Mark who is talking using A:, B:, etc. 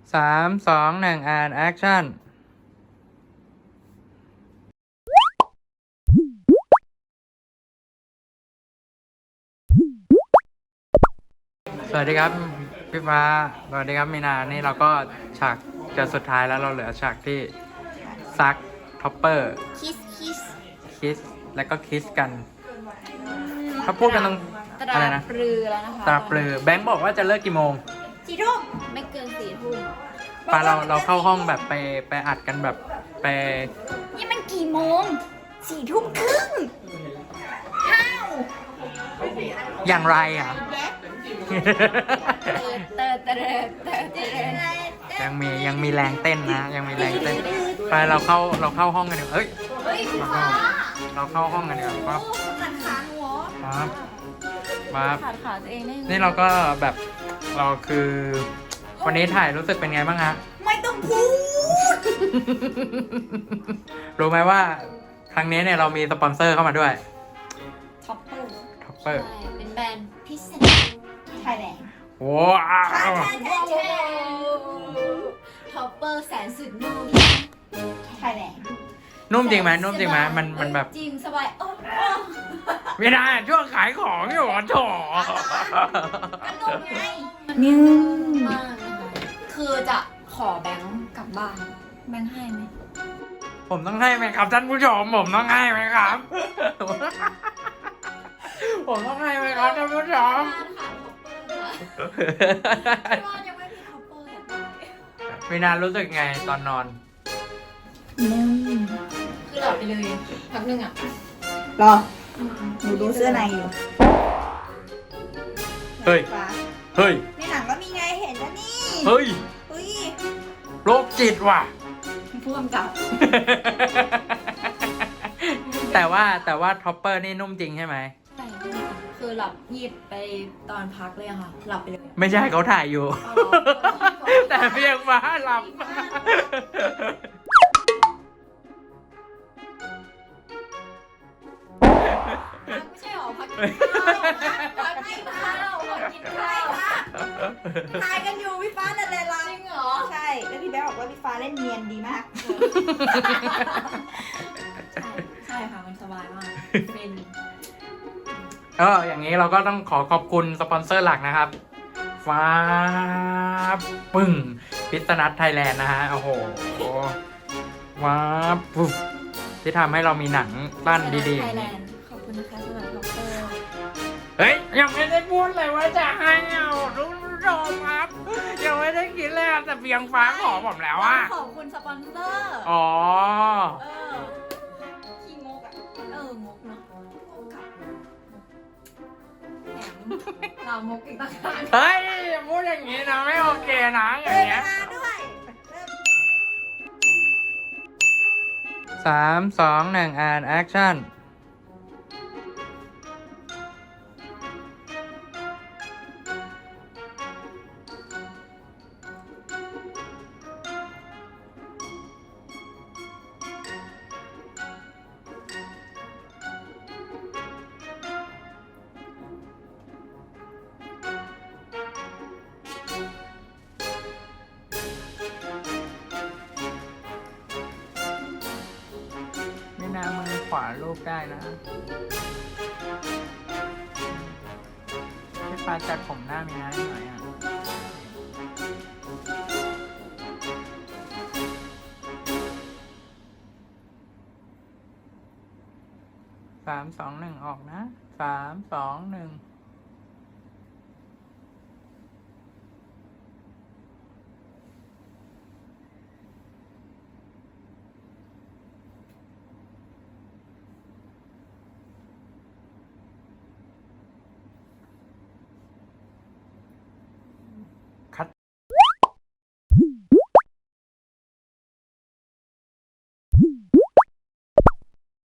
A: 3 2 1แอคชั่นสวัสดีครับพี่ฟ้าสวัสดีครับมีนานี่เราก็ฉากจะสุดท้ายแล้วเราเหลือฉากที่ซักท็อปเปอร์คิสแล้วก็คิสกันเขาพูดกันตรงอะไรนะ
B: ปรือแล้วนะคะ
A: ตาปลือแบงค์บอกว่าจะเลิกกี่โมง
B: 4 ทุ่มไม่เกิน4 ทุ่ม
A: ปาเราเข้าห้องแบบไปอัดกันแบบไป
B: นี่มันกี่โมง4 ทุ่มครึ่งห้าว
A: อย่างไรอ่ะ
B: เตอ
A: ยังมีแรงเต้นนะยังมีแรงเต้นไปเราเข้าห้องกันเดี๋ยวเอ้ย
B: เฮ้ยฟ้า
A: เราเข้าห้องกันเดี๋ยวปั๊บ
B: ขัดขาหัว
A: ปั๊บ
B: ขัดขาตัวเองได้
A: นี่เราก็แบบเราคือวันนี้ถ่ายรู้สึกเป็นไงบ้างฮะ
B: ไม่ต้องพูด
A: รู้ไหมว่าครั้งนี้เนี่ยเรามีสปอนเซอร์เข้ามาด้วย
B: ท็อปเปอร์
A: ท็อปเปอร์
B: ใช่เป็นแบรนด์พิเศษไทยแลนด์
A: ว้าว
B: ท็อปเปอร์แสนสุดนุ่มไทยแลนด์
A: นุ่มจริงไหมนุ่มจริงไหมมันแบบ
B: จริงสบาย
A: ไม่ได้ช่วงขายของอยู่โถ
B: ก็นุ่มไงนิ่มมากนะคะคือจะขอแบงค์กลับบ้านแบงค์ให้ไหม
A: ผมต้องให้ไหมครับท่านผู้ชมผมต้องให้ไหมครับ ผมต้องให้ไหมครับท่านผู้ชม
B: ที่บ้านยังไม่มีท็อปเปอร์อยากได้
A: มีนารู้สึกไงตอนนอน
B: คือหลับไปเลยพักหนึ่งอ่ะ
C: รอ หนูดูเสื้อในอยู่
A: เฮ้ย
C: ฟ้า
A: เฮ้ย
C: ในหนังก็มีไงเห็นแล้วนี่
A: เฮ้ย
C: เฮ้ย
A: โรคจิตว่ะ
C: ผู้กำกับ
A: แต่ว่าท็อปเปอร์นี่นุ่มจริงใช่ไหม
B: ใช่คือหลับหยิบไปตอนพักเลยอะค่ะ หลับไปเลย
A: ไม่ใช่เขาถ่ายอยู่
B: เอาเหรอ
A: แต่เพียงฟ้าหลับ
B: ไม่ใช่หรอพักกินข้าวพักกินข้าวพักกินข้าว
C: ถ่ายกันอยู่พี่ฟ้านั่นแหละเรา
B: จริงเหรอ
C: ใช่ แล้วพี่แบ๊วบอกว่าพี่ฟ้าเล่นเนียนดีมาก
B: ใช่ค่ะมันสบายมากเป็น
A: อย่างนี้เราก็ต้องขอขอบคุณสปอนเซอร์หลักนะครับ ฟ้าปึ้งพิษนัทไทยแลนด์นะฮะ โอ้โหว้าปุ๊บที่ทำให้เรามีหนังสั้นดีๆ
B: ไทยแลนด์ขอบคุณนะคะสำหรับท็อปเปอร์
A: เฮ้ย ยังไม่ได้พูดเลยว่าจะให้เอาทุกผู้ชมครับ ยังไม่ได้คิดเลยอะแต่เพียงฟ้าขอผมแล้วอะ
B: ขอบคุณสปอนเซอร์
A: อ๋อ
B: เออขี้งกอ่ะงกเนาะงกกับแถมเรามกอีกต่างหาก
A: เฮ้ยอย่าพูดอย่างนี้นะไม่โอเคนะอย่างเงี้ย
C: ด้วย
A: 3 2 1แอคชั่นไม่น่ามือขวาลูกได้นะพี่ฟ้าจัดผมหน้ามีน้าหน่อยอ่ะ3 2 1ออกนะ3 2 1